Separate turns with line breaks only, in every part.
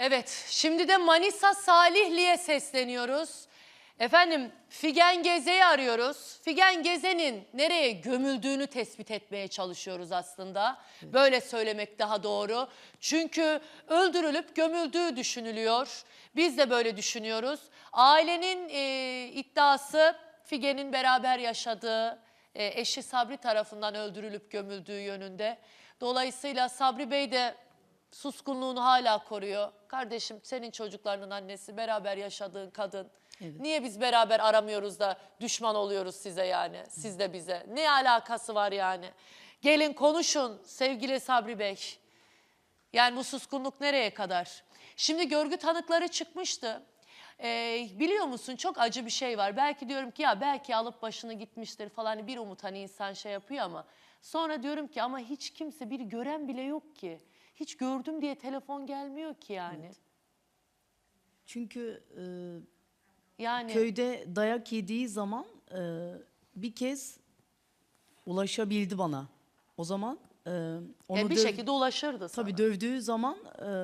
Evet, şimdi de Manisa Salihli'ye sesleniyoruz. Efendim, Figen Geze'yi arıyoruz. Figen Geze'nin nereye gömüldüğünü tespit etmeye çalışıyoruz aslında. Böyle söylemek daha doğru. Çünkü öldürülüp gömüldüğü düşünülüyor. Biz de böyle düşünüyoruz. Ailenin iddiası Figen'in beraber yaşadığı, eşi Sabri tarafından öldürülüp gömüldüğü yönünde. Dolayısıyla Sabri Bey de suskunluğunu hala koruyor. Kardeşim, senin çocuklarının annesi, beraber yaşadığın kadın.
Evet.
Niye biz beraber aramıyoruz da düşman oluyoruz size yani? Siz de bize. Ne alakası var yani? Gelin konuşun sevgili Sabri Bey. Yani bu suskunluk nereye kadar? Şimdi görgü tanıkları çıkmıştı. Biliyor musun, çok acı bir şey var. Belki diyorum ki ya belki alıp başını gitmiştir falan, bir umut hani insan şey yapıyor ama. Sonra diyorum ki ama hiç kimse, bir gören bile yok ki. Hiç gördüm diye telefon gelmiyor ki yani.
Evet. Çünkü
Yani
köyde dayak yediği zaman bir kez ulaşabildi bana. O zaman onu
bir şekilde ulaşırdı sana.
tabii dövdüğü zaman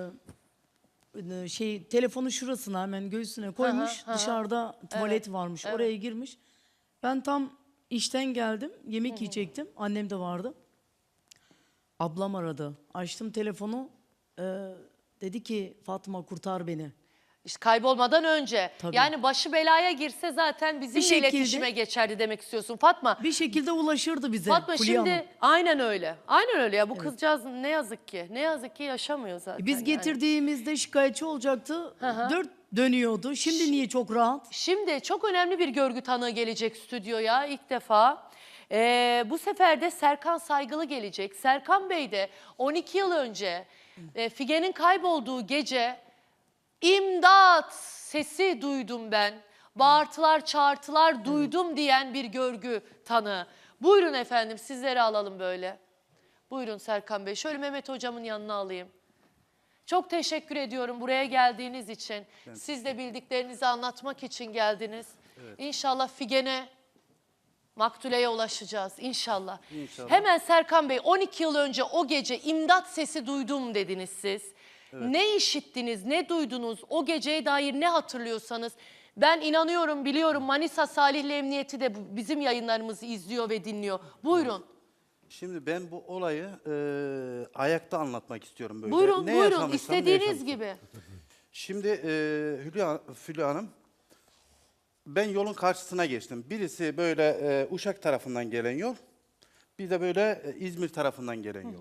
telefonu şurasına, hemen göğsüne koymuş.
hı hı.
Dışarıda tuvalet
Evet,
varmış.
evet.
Oraya girmiş. Ben tam işten geldim. Yemek yiyecektim. Annem de vardı. Ablam aradı. Açtım telefonu. Dedi ki Fatma kurtar beni.
İşte kaybolmadan önce.
Tabii.
Yani başı belaya girse zaten bizimle
Bir şekilde-
iletişime geçerdi demek istiyorsun Fatma.
Bir şekilde ulaşırdı bize.
Fatma
Fulya Hanım.
şimdi aynen öyle. Aynen öyle ya, bu kızcağız ne yazık ki. Ne yazık ki yaşamıyor zaten.
Biz
yani.
getirdiğimizde şikayetçi olacaktı. Dört dönüyordu. Şimdi niye çok rahat?
Şimdi çok önemli bir görgü tanığı gelecek stüdyoya ilk defa. Bu sefer de Serkan Saygılı gelecek. Serkan Bey de 12 yıl önce Figen'in kaybolduğu gece imdat sesi duydum ben. Bağırtılar, çağırtılar duydum diyen bir görgü tanığı. Buyurun efendim, sizleri alalım böyle. Buyurun Serkan Bey. Şöyle Mehmet hocamın yanına alayım. Çok teşekkür ediyorum buraya geldiğiniz için. Siz de bildiklerinizi anlatmak için geldiniz. İnşallah Figen'e, Maktule'ye ulaşacağız inşallah.
İnşallah.
Hemen Serkan Bey, 12 yıl önce o gece imdat sesi duydum dediniz siz. Ne işittiniz, ne duydunuz, o geceye dair ne hatırlıyorsanız. Ben inanıyorum, biliyorum Manisa Salihli Emniyeti de bizim yayınlarımızı izliyor ve dinliyor. Buyurun.
Şimdi ben bu olayı ayakta anlatmak istiyorum böyle.
Buyurun,
Ne
buyurun.
yaşamışsam, ne
İstediğiniz
yaşamışsam.
gibi.
Şimdi Fulya Hanım, ben yolun karşısına geçtim. Birisi böyle Uşak tarafından gelen yol, bir de böyle İzmir tarafından gelen yol.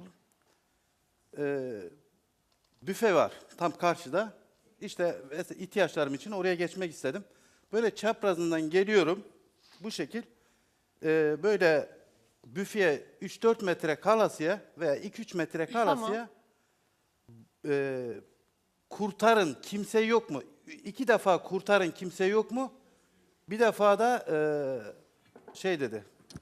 Büfe var tam karşıda. İşte ihtiyaçlarım için oraya geçmek istedim. Böyle çaprazından geliyorum bu şekil. Böyle büfeye 3-4 metre kalasıya veya 2-3 metre kalasıya kurtarın kimse yok mu? 2 defa kurtarın kimse yok mu? Bir defa da şey dedi.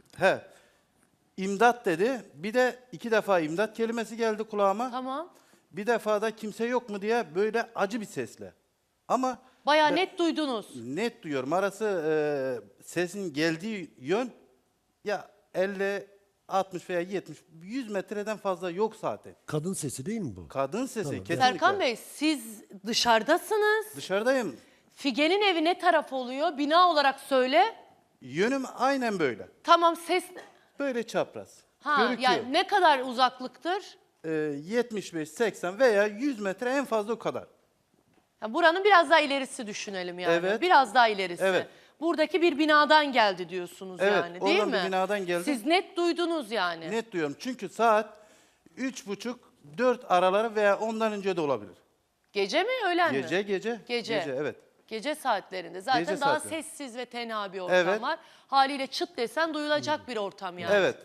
İmdat dedi. Bir de 2 defa imdat kelimesi geldi kulağıma.
Tamam.
Bir defa da kimse yok mu diye böyle acı bir sesle. Ama
Bayağı net duydunuz.
net duyuyorum. Arası sesin geldiği yön ya 50, 60 veya 70, 100 metreden fazla yok zaten.
Kadın sesi değil mi bu?
Kadın sesi
Tamam.
kesinlikle.
Serkan Bey, siz dışarıdasınız.
Dışarıdayım.
Figen'in evi ne taraf oluyor? Bina olarak söyle.
Yönüm aynen böyle.
Tamam, ses...
Böyle çapraz.
Ha,
Görüküyor.
yani ne kadar uzaklıktır?
75, 80 veya 100 metre en fazla o kadar.
Ya buranın biraz daha ilerisi düşünelim yani.
Evet.
Biraz daha ilerisi.
Evet.
Buradaki bir binadan geldi diyorsunuz
Evet,
yani, değil
oradan
mi?
bir binadan geldi.
Siz net duydunuz yani.
Net duyuyorum. Çünkü saat 3.30-4 araları veya ondan önce de olabilir.
Gece mi, öğlen mi?
Gece.
Gece.
Evet.
Gece saatlerinde. Zaten
Gece
daha
saatleri.
sessiz ve tenha bir ortam
Evet.
var. Haliyle çıt desen duyulacak bir ortam yani.
Evet.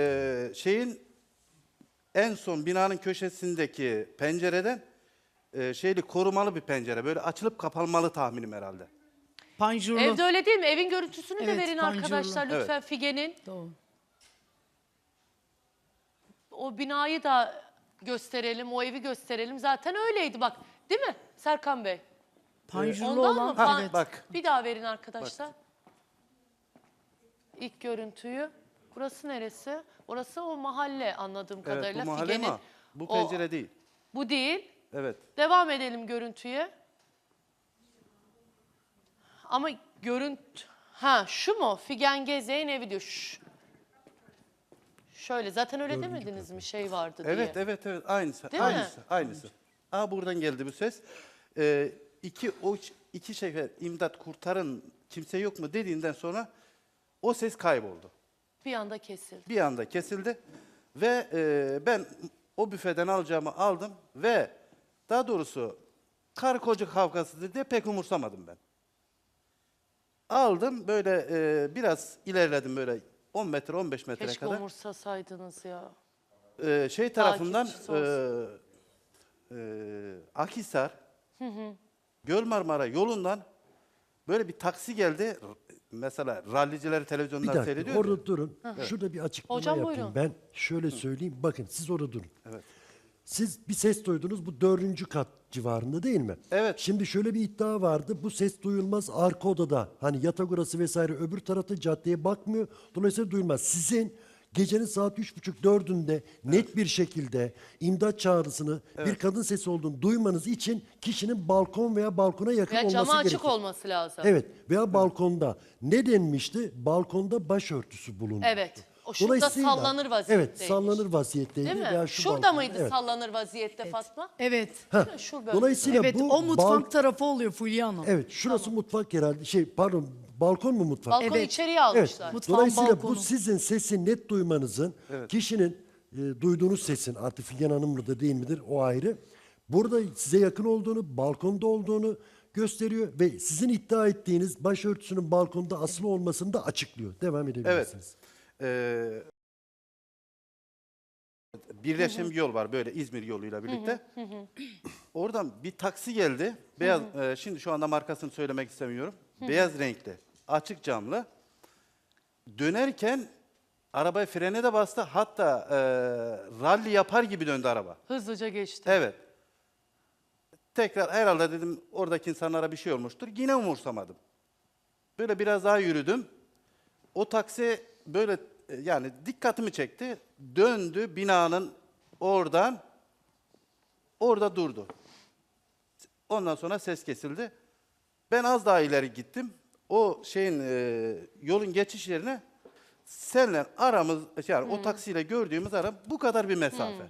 En son binanın köşesindeki pencereden korumalı bir pencere. Böyle açılıp kapanmalı tahminim herhalde.
Panjurlu.
Evde öyle değil mi? Evin görüntüsünü de
Evet,
verin
panjurlu.
arkadaşlar lütfen Figen'in.
Doğru.
O binayı da gösterelim, o evi gösterelim. Zaten öyleydi bak. Değil mi Serkan Bey?
Panjurlu
Ondan
olan.
mı? Pan-
Evet.
Bak.
Bir daha verin arkadaşlar. İlk görüntüyü. Burası neresi? Orası o mahalle anladığım kadarıyla.
Evet, bu mahalle
Figen'in
ama bu
o-
pencere değil.
Bu değil.
Evet.
Devam edelim görüntüye. Ama görüntü... Ha şu mu? Figen Gezek'in evi diyor. Şöyle zaten öyle demediniz mi şey vardı diye.
Evet, evet, evet. Aynısı.
Değil mi?
Aynısı. Buradan geldi bu ses. İki sefer imdat kurtarın kimse yok mu dediğinden sonra o ses kayboldu.
Bir anda kesildi.
Bir anda kesildi ve ben o büfeden alacağımı aldım ve daha doğrusu karı koca kavgasıdır diye pek umursamadım ben. Aldım böyle biraz ilerledim böyle 10 metre 15 metre
Keşke
kadar.
umursasaydınız ya.
Şey tarafından
Takipçisi
Akhisar, Göl Marmara yolundan böyle bir taksi geldi. Mesela rallicileri
Bir
televizyondan
dakika
seyrediyor.
orada durun. Şurada bir açıklama
Hocam,
yapayım.
buyurun.
Ben şöyle söyleyeyim. Bakın siz orada durun.
Evet.
Siz bir ses duydunuz bu 4. kat civarında değil mi?
Evet.
Şimdi şöyle bir iddia vardı. Bu ses duyulmaz arka odada. Hani yatak odası vesaire öbür tarafta caddeye bakmıyor. Dolayısıyla duyulmaz. Sizin gecenin saat 3.30-4'ünde net bir şekilde imdat çağrısını bir kadın sesi olduğunu duymanız için kişinin balkon veya balkona yakın
Ya
olması
camı açık
gerekir.
olması lazım.
Evet veya balkonda. Ne denmişti? Balkonda başörtüsü bulundu.
Evet. O şurada sallanır vaziyetteymiş.
Evet sallanır vaziyetteydi.
Değil mi?
Veya şu
Şurada
balkon-
mıydı
Evet.
sallanır vaziyette Fatma?
Evet.
Heh.
Şu bölge.
Dolayısıyla
Evet,
bu
o mutfak tarafı oluyor Fulya Hanım.
Evet şurası mutfak herhalde. Pardon balkon mu mutfak?
Balkonu
Evet.
içeriye
Evet.
almışlar.
Mutfağın
Dolayısıyla
balkonu.
bu sizin sesi net duymanızın, kişinin duyduğunuz sesin artık Figen Hanım mıdır değil midir o ayrı. Burada size yakın olduğunu, balkonda olduğunu gösteriyor ve sizin iddia ettiğiniz başörtüsünün balkonda asılı olmasını da açıklıyor. Devam edebilirsiniz.
Evet. Birleşim bir yol var böyle İzmir yoluyla birlikte. Oradan bir taksi geldi. Beyaz, şimdi şu anda markasını söylemek istemiyorum. Beyaz renkli, açık camlı. Dönerken arabaya frene de bastı. Hatta ralli yapar gibi döndü araba.
Hızlıca geçti.
Evet. Tekrar herhalde dedim oradaki insanlara bir şey olmuştur. Yine umursamadım. Böyle biraz daha yürüdüm. O taksi böyle yani dikkatimi çekti. Döndü binanın oradan orada durdu. Ondan sonra ses kesildi. Ben az daha ileri gittim. O şeyin yolun geçiş yerine senle aramız yani o taksiyle gördüğümüz ara bu kadar bir mesafe.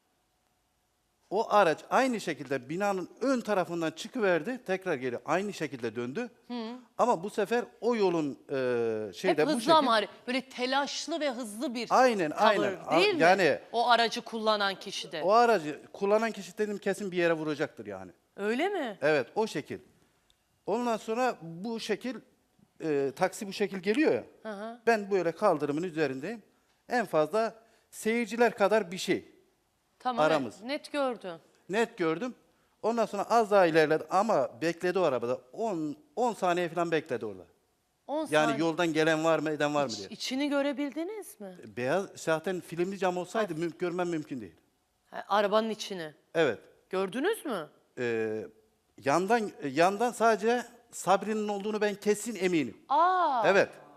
O araç aynı şekilde binanın ön tarafından çıkıverdi. Tekrar geri aynı şekilde döndü. Ama bu sefer o yolun şeyde
Hep
bu
hızlı
şekilde
ama böyle telaşlı ve hızlı bir
Aynen,
tavır
aynen.
değil mi?
Yani-
O aracı kullanan kişi de.
o aracı kullanan kişi dedim kesin bir yere vuracaktır yani.
Öyle mi?
Evet o şekil. Ondan sonra bu şekil taksi bu şekil geliyor ya. Ben böyle kaldırımın üzerindeyim. En fazla seyirciler kadar bir şey.
Tamam.
Aramız.
Evet, net gördün.
Net gördüm. Ondan sonra az daha ilerledi ama bekledi o arabada. 10 saniye falan bekledi orada.
10
Yani
saniye.
yoldan gelen var mı, eden var mı diye.
İçini görebildiniz mi?
Beyaz zaten filmli cam olsaydı görmem mümkün değil.
Ha, arabanın içini.
Evet.
Gördünüz mü?
Yandan sadece Sabri'nin olduğunu ben kesin eminim.
Aa.
Evet.